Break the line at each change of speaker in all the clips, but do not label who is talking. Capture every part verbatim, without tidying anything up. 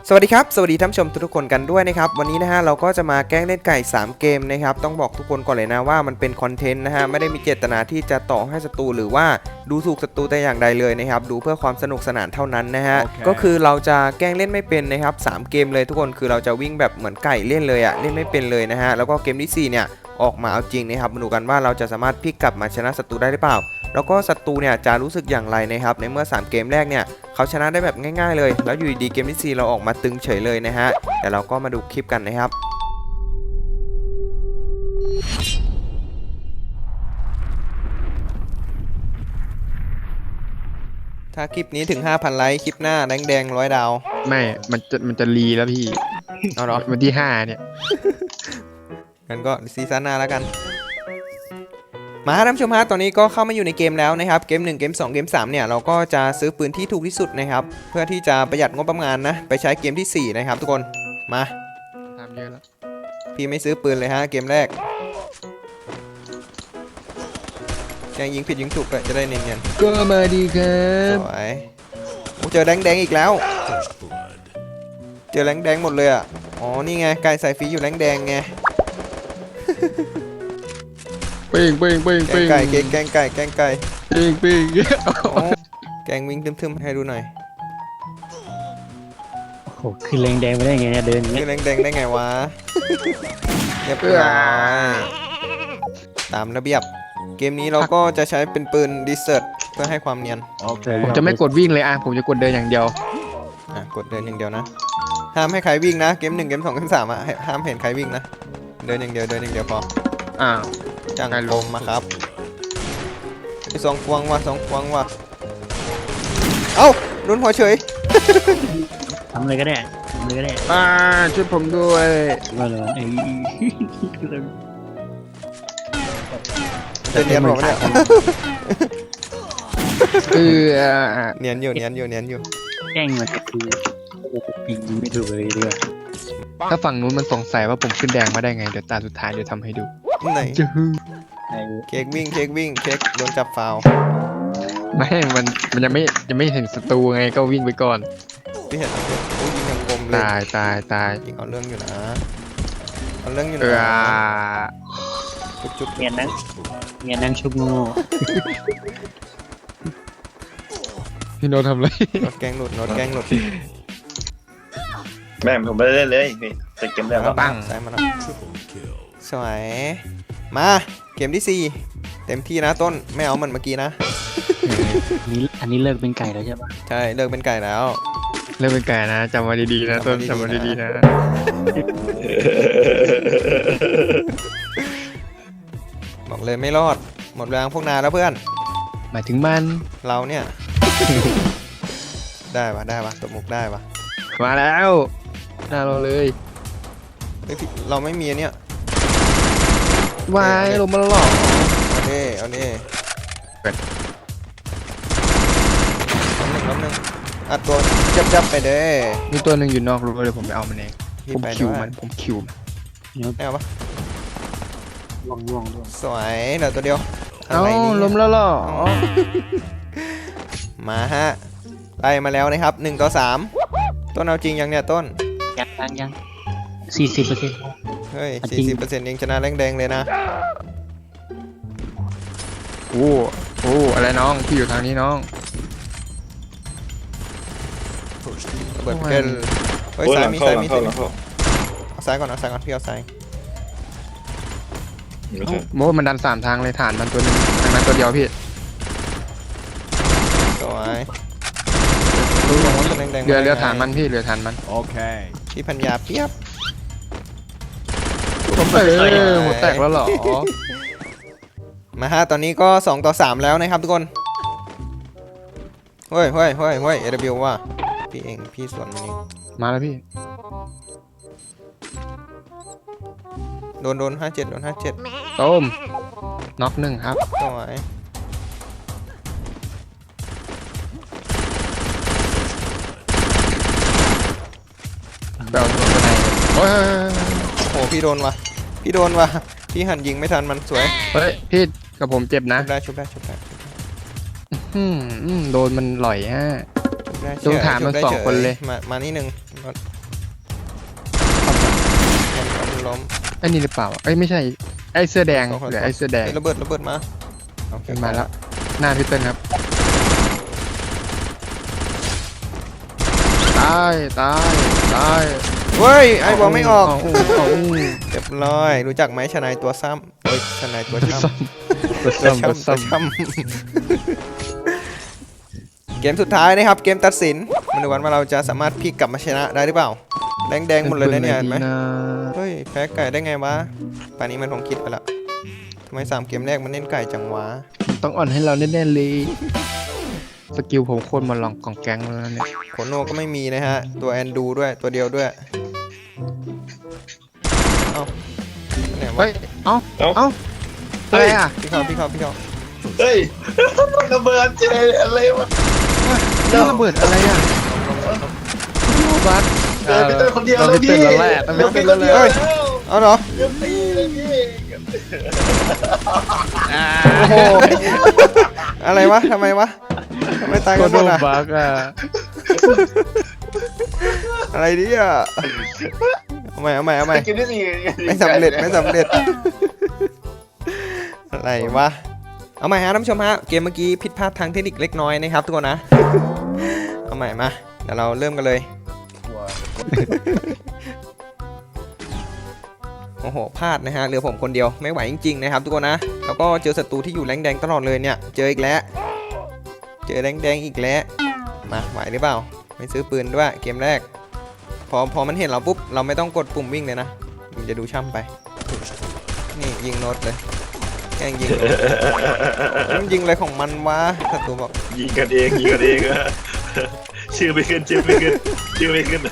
สวัสดีครับสวัสดีท่านผู้ชมทุกคนกันด้วยนะครับวันนี้นะฮะเราก็จะมาแกล้งเล่นไก่สามเกมนะครับต้องบอกทุกคนก่อนเลยนะว่ามันเป็นคอนเทนต์นะฮะไม่ได้มีเจตนาที่จะต่อให้ศัตรูหรือว่าดูถูกศัตรูแต่อย่างใดเลยนะครับดูเพื่อความสนุกสนานเท่านั้นนะฮะ okay. ก็คือเราจะแกล้งเล่นไม่เป็นนะครับสามเกมเลยทุกคนคือเราจะวิ่งแบบเหมือนไก่เล่นเลยอะเล่นไม่เป็นเลยนะฮะแล้วก็เกมที่สี่เนี่ยออกมาเอาจริงนะครับมาดูกันว่าเราจะสามารถพลิกกลับมาชนะศัตรูได้หรือเปล่าแล้วก็ศัตรูเนี่ยจะรู้สึกอย่างไรนะครับในเมื่อสามเกมแรกเนี่ยเขาชนะได้แบบง่ายๆเลยแล้วอยู่ดีๆเกมที่สี่เราออกมาตึงเฉยเลยนะฮะแต่เราก็มาดูคลิปกันนะครับถ้าคลิปนี้ถึง ห้าพัน ไลค์คลิปหน้าแดงแดงร้อยดาว
ไม่มันจะมันจะรีแล้วพี่
เอาเหรอ
วันที่ห้าเนี่ย
งั้นก็ซีซั่นหน้าแล้วกันมาท่านผู้ชมฮะตอนนี้ก็เข้ามาอยู่ในเกมแล้วนะครับเกมหนึ่งเกมสองเกมสามเนี่ยเราก็จะซื้อปืนที่ถูกที่สุดนะครับเพื่อที่จะประหยัดงบประมาณนะไปใช้เกมที่สี่นะครับทุกคนมา
ทำเยอะแล้ว
พี่ไม่ซื้อปืนเลยฮะเกมแรกยังยิงผิดยิงถูกเลยจะได้เนียน
ๆก็มาดีครับ
สวยโอ้เจอแดงแดงอีกแล้วเจอแดงแดงหมดเลยอ่ะอ๋อนี่ไงไก่ใส่ฟีอยู่แดงแดงไง
เป้งเป้งเป้งเป้ง
ไก่แกงไก่แกงไก่
เป้งเป้ง
แกงวิ่งทึมๆให้ดูหน่อย
โอ้โหคือแรงแดงไปได้ไงเนี่ยเดินอย่างเงี้
คื
ย
อแดงแดงได้ไงวะเรียบร้อยตามระเบียบเกมนี้เราก็จะใช้เป็นปืนดิเซอร์เพื่อให้ความเนียน
ผมจะไม่กดวิ่งเลยอ่ะผมจะกดเดินอย่างเดียว
อ่ะกดเดินอย่างเดียวนะห้ามให้ใครวิ่งนะเกมหนึ่งเกมสองเกมสามอ่ะห้ามเห็นใครวิ่งนะเดินอย่างเดียวเดินอย่างเดียวพอ
อ่า
จังลมมาครับไปสองควงว่ะสองควงว่ะเอ้ารุนหัวเฉย
ทำเลยก็ได้ทำเลยก็ได้
อ่าช่วยผมด้วย
มาเลยไอ้
เนียนบอกเนี่ย
เออ
เนียนอยู่เนียนอยู่เนียนอยู่
แกล้งมันก็คือปีนไม่ถูกเลยด้วย
ถ้าฝั่งนู้นมันสงสัยว่าผมขึ้นแดงมาได้ไงเดี๋ยวตาสุดท้ายเดี๋ยวทำให้ดู
ไหน
จื้อ
เค้กวิ่งเค้กวิ่งเค้กโดนจับฟาว
ไม่มันมันยังไม่ยังไม่เห็นศัตรูไงก็วิ่งไปก่อน
พี่เห็นโอ้ยิงยังคมเลย
ตายตายตาย
ยิงเอาเรื่องอยู่นะเอาเรื่องอยู่
นะ
จุ๊บจุ๊บ
เงียนนั่งเงียนนั่งชุบงู
พี่โน้ตทำไร
โน้ตแกงหลุดโน้ตแกงหลุด
แม่ผมไม่ได้เล่นเลยแต่เกมแล้ว
ปังใส่มาแล้วสวยมาเกมที่สี่เต็มที่นะต้นไม่เอามันเมื่อกี้นะ
นี่อันนี้เลิกเป็นไก่แล้วใช่ปะ
ใช่เลิกเป็นไก่แล้ว
เลิกเป็นไก่นะจำไว้ดีๆนะต้นจำไว้ดีๆนะ
บอกเลยไม่รอดหมดแรงพวกนาแล้วเพื่อน
หมายถึงมัน
เราเนี่ยได้ปะได้ปะตบมุกได้ปะ
มาแล้วหน้าเราเลย
เราไม่มีเนี่ยว
ายลงมาแล้วหรอ
เอาเน่เอาเน่น้ำหนึ่งน้ำหนึ่งอัดตัวจับจับไปเด้
มีตัวหนึ่งอยู่นอกรูเลยผมไปเอามันเองผมคิวมันผมคิวมัน
ไม่เอาปะ
ล่วงล่วงล่วง
สวยเหลือตัวเดียว
เอาล้มแล้วหรอ
มาฮะไล่มาแล้วนะครับหนึ่งต่อสามต้นเอาจริงยังเนี่ยต้น
ยังยังยังสี่สิบเปอร์เซ็นต์
เฮ้ยสี่สิบเปอร์เซ็นต์ยังชนะแดงๆเลยนะ
โอ้โอ้อะไรน้องที่อยู่ทางนี้น้อง
เบิดเกินเฮ้ยซ้ายมีซ้ายมีซ้ายเอาซ้ายก่อนเอาซ้ายก่อนพี่เอาซ้าย
โม้มันดันสามทางเลยฐานมันตัวนึงทางนั้นตัวเดียวพี่
สวย
เรือเรือฐานมันพี่เรือฐานมัน
โอเคพี่พัญญาเปียบ
เออหมดแตกแล้วหรอ
มาฮะตอนนี้ก็สองต่อสามแล้วนะครับทุกคนเฮ้ยเฮ้ยเฮ้ยเฮ้ยเอเดบิวว่าพี่เองพี่สวนมันนี่
มาแล้วพี่
โดนโดนห้าเจ็ดโดนห้าเจ็ด
ต้มน็อกหนึ่งครับ
สวย
เบลตัวไหนโอ้ย
โอ้พี่โดนว่ะพี่โดนว่ะพี่หันยิงไม่ทันมันสวย
เฮ้ยพี่กับผมเจ็บนะ
ชุบได้ชุบได้ชุบได้
อืมโดนมันหล่อยฮะตรงฐานมันสองคนเลย
มามานี่หนึ่งล้มล้ม
ไอ้นี่หรือเปล่าไอ้ยไม่ใช่ไอ้เสื้อแดง
ขอขอ
หรือไอ้เสื้อแดง
เฮ้ยระเบิดระเบิดมาโอเค
มันมาแล้วหน้าพี่เติ้ลครับตายตายตาย
เฮ้ยไอ้บอลไม่ออก
เาอู้เอาอู้
เรียบร้อยรู้จักไหมชนายตัวซ้ำเฮ้ยชนายตัวช้ำ
ตัว
ตัว
ซ้ำตัว
ช้ำตัว
ซ้ำ
ช้ำเกมสุดท้ายนะครับเกมตัดสินมาดูกันว่าเราจะสามารถพลิกกลับมาชนะได้หรือเปล่าแดงแดงๆหมดเลยนะเนี่ยเห็นไหม
นะ
เฮ้ยแพ้ไก่ได้ไงวะป่านนี้มันคงคิดไปละทำไมสามเกมแรกมันเล่นไก่จังวะ
ต้องอ่อนให้เราแน่ๆเลยสกิลผมโคตรมาลองกองแก๊งแล้วเนี่ย
โคโน่ก็ไม่มีนะฮะตัวแอนดูด้วยตัวเดียวด้วยเอ้าไหนวะ
เฮ้ยเอ้าเอ้าอะไรอ่ะ
พี่เขาพี่เขาพี่เขา
เฮ้ยระเบิดเจอะไรวะ
นี่ระเบิดอะไรอ่ะบัส
เจอพี่เต้นคนเดียว
เรา
แล้ว
ไป
พี่
เต้นแล้วแหละต้องไป
พี่
เต้น
ค
แล้ว
น
แห
เดียว
ละ
แล้ว
เอาเหรอ
เดี๋ยวตีเลยพี่
โอ้โหอะไรวะทำไมวะทำไมตาย
โค
กัน
โด
หมดอ่ะ
บักอ่ะ
อะไรเนี่ยเอาใหม่เอาใหม่เอาใหม่
กินได้สิ
ไม่สำเร็จไม่สำเร็จอะไรวะเอาใหม่ฮะท่านผู้ชมฮะเกมเมื่อกี้ผิดพลาดทางเทคนิคเล็กน้อยนะครับทุกคนนะเอาใหม่มาเดี๋ยวเราเริ่มกันเลยโอ้โหพลาดนะฮะเหลือผมคนเดียวไม่ไหวจริงๆนะครับทุกคนนะแล้วก็เจอศัตรูที่อยู่แรงแดงตลอดเลยเนี่ยเจออีกแล้วเจอแรงแดงอีกแล้วมาไหวหรือเปล่าไม่ซื้อปืนด้วยเกมแรกพอพอมันเห็นเราปุ๊บเราไม่ต้องกดปุ่มวิ่งเลยนะมันจะดูช่ำไปนี่ยิงโน้ตเลยแกล้งยิงโน้ตมันยิงอะไรของมันวะศัตรูบอก
ยิงกันเองยิงกันเองอะชื่อไม่ขึ้นชื่อไม่ขึ้นชื่อไม่ขึ้น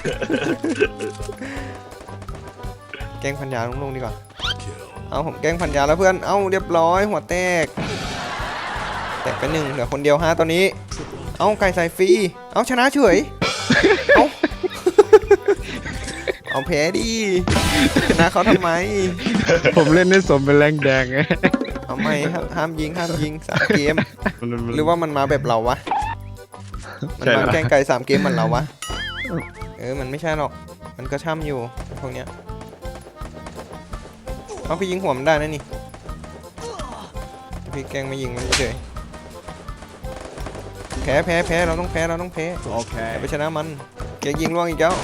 แกล้งพันยาลุงๆดีกว่าเอาผมแกล้งพันยาแล้วเพื่อนเอาเรียบร้อยหัวแตกแตกไปหนึ่งเหลือคนเดียวฮะตอนนี้เอาไก่ใส่ฟรีเอาชนะเฉยเอาเอาแพ้ดิชนะเขาทำไม
ผมเล่นได้สมเป็นแรงแดงไง
เอาไม่ห้ามห้ามยิงห้ามยิงสามเกมหรือว่ามันมาแบบเราวะมันมาแกล้งไก่สามเกมเหมือนเราวะเออมันไม่ใช่หรอกมันก็ช่ำอยู่พวกเนี้ยเอาพี่ยิงหัวมันได้นะนี่พี่แกล้งไม่ยิงมันเฉยแพ้แพ้แพ้เราต้องแพ้เราต้องแพ้โอเคไปชนะมันแกยิงล่วงอีกแล้ว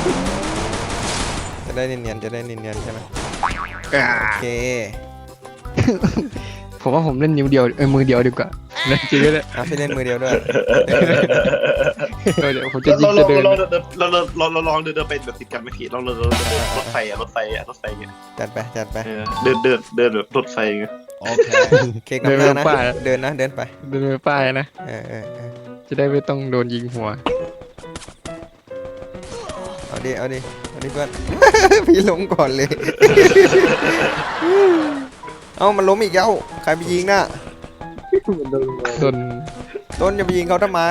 จะได้เนียนๆจะได้เนียนๆใช่ไหมโอเค
ผมว่าผมเล่นนิ้วเดียวเออมือเดียวดีกว่าเล่นจริงเลย
เอาพี่เล่นมือเดียวด้วย
เดี๋ยวผมจะยิ
เรา
ง
เรา
จะเดิน
เราเราเราเราลองเดินเดินไปแบบติดกันไม่ผิดเราเรารถไฟอะรถไฟอะรถไฟเงี้ย
จัดไปจัดไป
เดินเดินเดินแบบรถไฟเงี้ย
โอเคเค้กน้ำหน้านะเดินนะเดินไป
เดินไปป้ายนะ
เออเออเออ
จะได้ไม่ต้องโดนยิงหัว
เอาดิเอาดิเอาดิเพื่อน พี่ล้มก่อนเลย เอามันล้มอีกแล้วใครไปยิงน่ะ
โดน
ต้นจะไปยิงเขาทำไม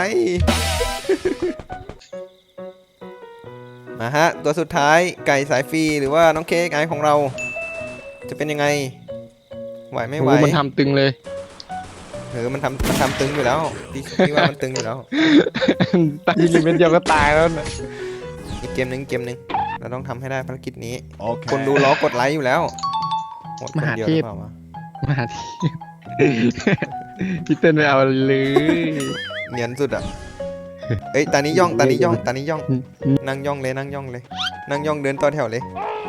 มาฮะตัวสุดท้ายไก่สายฟรีหรือว่าน้องเค้กไอของเรา จะเป็นยังไงไหวไม่ไหว
โอ้มันทำตึงเลย
เออมันทำมันทำตึงอยู่แล้วพี่พี่ว่ามันตึงอยู่แล้ว
ตายยิงเป็นเดียวก็ตายแล้วนะ
อีกเกมหนึ่งเกมหนึ่งเราต้องทำให้ได้ภารกิจนี้คนดูล้อกดไลค์อยู่แล้วหมดคนเดียวหรือเปล่าวะ
มาที่ พี่เต้นไม่เอาเลย
เนียนสุดอ่ะเอ้ยตานี้ย่องตานี้ย่องตานี้ย่องนั่งย่องเลยนั่งย่องเลยนั่งย่องเดินต่อแถวเลย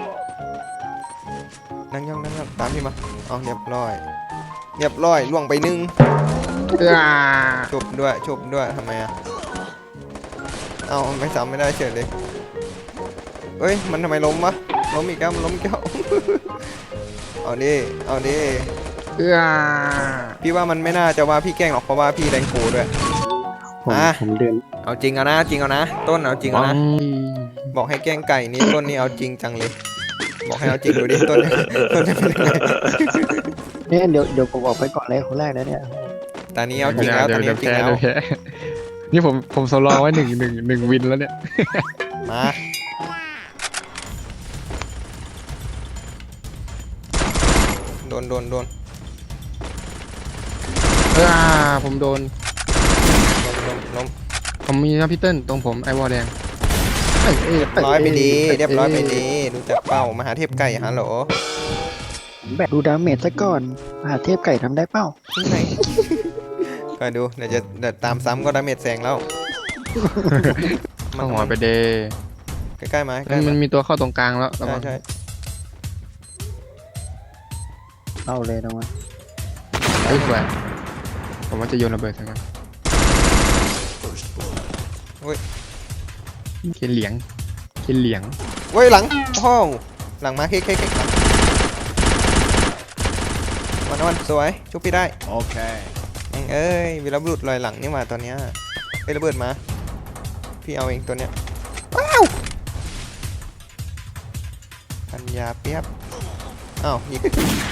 นั่งย่องนั่งย่องตามพี่มาเอาเรียบร้อยเรียบร้อยล่วงไปหนึ่งจบด้วยจบด้วยทำไมอ่ะเอาไม่ซ้ำไม่ได้เฉยเลยเอ้ยมันทำไมล้มวะล้มอีกแล้วมันล้มอีกแล้ว เอาดิเอาดิพี่ว่ามันไม่น่าจะว่าพี่แกล้งหรอกเพราะว่าพี่แรงโกด้วย
ผม
อ่ะ
ผมเดิน
เอาจริงเอานะจริงเอานะต้นเอาจริงเอานะบอกให้แกล้งไก่นี่ต้นนี่เอาจริงจังเลย บอกให้เอาจริงดูดิต้นต้นจะเป็นยังไง
เนี่ยเดี๋ยวเดี๋ยวผมออกไปก่อนเลยคนแรกนะเนี่ย
ตอนนี้เอาจริงแล้วตอนนี้
เดี๋ยว
เอาจริง
แพ้
แล้ว
เดี๋ยวแพ้นี่ผมผมสำรองไว้หนึ่งหนึ่งหนึ่งวินแล้วเนี่ย
มาโดนโดนโดน
อ่าผมโดน
ล้มล้มล้ม
ผมมีนะพี่เติ้ลตรงผมไอวอลแดงเอ้ย
เรียบร้อยไปดีเรียบร้อยไปดีรู้จักเป้ามหาเทพไก่ฮัลโหล
แบบดูดาเมจซะก่อนมหาเทพไก่ทำได้เป้า
ที่ไหนคอยดูเดี๋ยวจะเดี๋ยวตามซ้ำก็ดาเมจแซงแล้ว
เข้าหัวไปเด
ใกล้ๆมาใกล้
มัน
ๆ
มัน
มา
มีตัวเข้าตรงกลางแล้วระ
ใช่
วัง
ใช่
เอาเลยนะวะ
เฮ้ยสวยผมว่าจะโยนระเบิดใส่มันเขียนเหลียงเขียนเหลียง
เว้ยหลังโอ้โหหลังมาเค้กเค้กเค้กวันวันสวยชุบพี่ได้
โอเค
แม่งเอ้ยวีรบุรุษลอยหลังนี่มาตอนเนี้ยไอ้ยระเบิดมาพี่เอาเองตัวเนี้ยว้าวปัญญาเปียบอ้าวยิง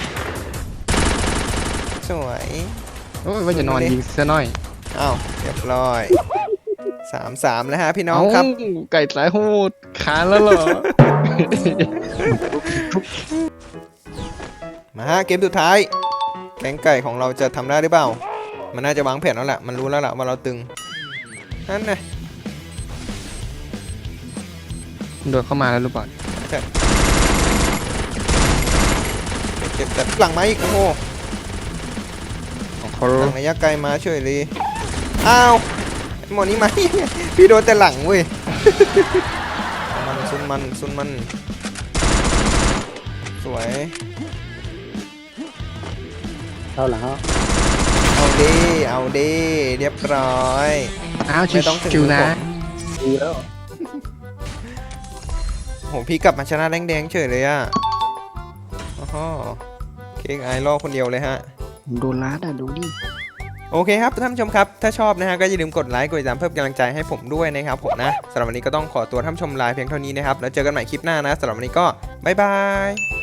สวย
โอ้ยว่าจะนอนยิงซะหน่อย
อ้าวเรียบร้อยสามสามแล้วฮะพี่น้องครับ
เาไก่สายโหดขานแล้วเหรอ
มาฮะเกมสุดท้ายแก๊งไก่ของเราจะทำได้หรือเปล่า มันน่าจะวางแผนแล้วแหละมันรู้แล้วแหละว่าเราตึงนั่นไง
โดดเข้ามาแล้วหรือเปล่า
เจ็บแต่หลังมาอีกโอ้โห
ของเขา
หลังระยะไกลมาช่วยเลยอ้าวไอ้หมอนี้มา พี่โดนแต่หลังเว้ย มันซุนมันซุนมันสวย
เข้าหลังเขา
เอาดีเอาดีเรียบร้อย
อ้าวชิ
ไม่ต้องถึง
วๆนะ
ดีแล้ว
โหพี่กลับมาชนะแดงๆเฉยเลยอ่ะโอ้โหเค้กไอรอคนเดียวเลยฮะ
ผมโดนล้าดอ่ะดูดิ
โอเคครับท่านผู้ชมครับถ้าชอบนะฮะก็อย่าลืมกดไลค์กดติดตามเพิ่มกำลังใจให้ผมด้วยนะครับผมนะสำหรับวันนี้ก็ต้องขอตัวท่านผู้ชมลาเพียงเท่านี้นะครับแล้วเจอกันใหม่คลิปหน้านะสำหรับวันนี้ก็บ๊ายบาย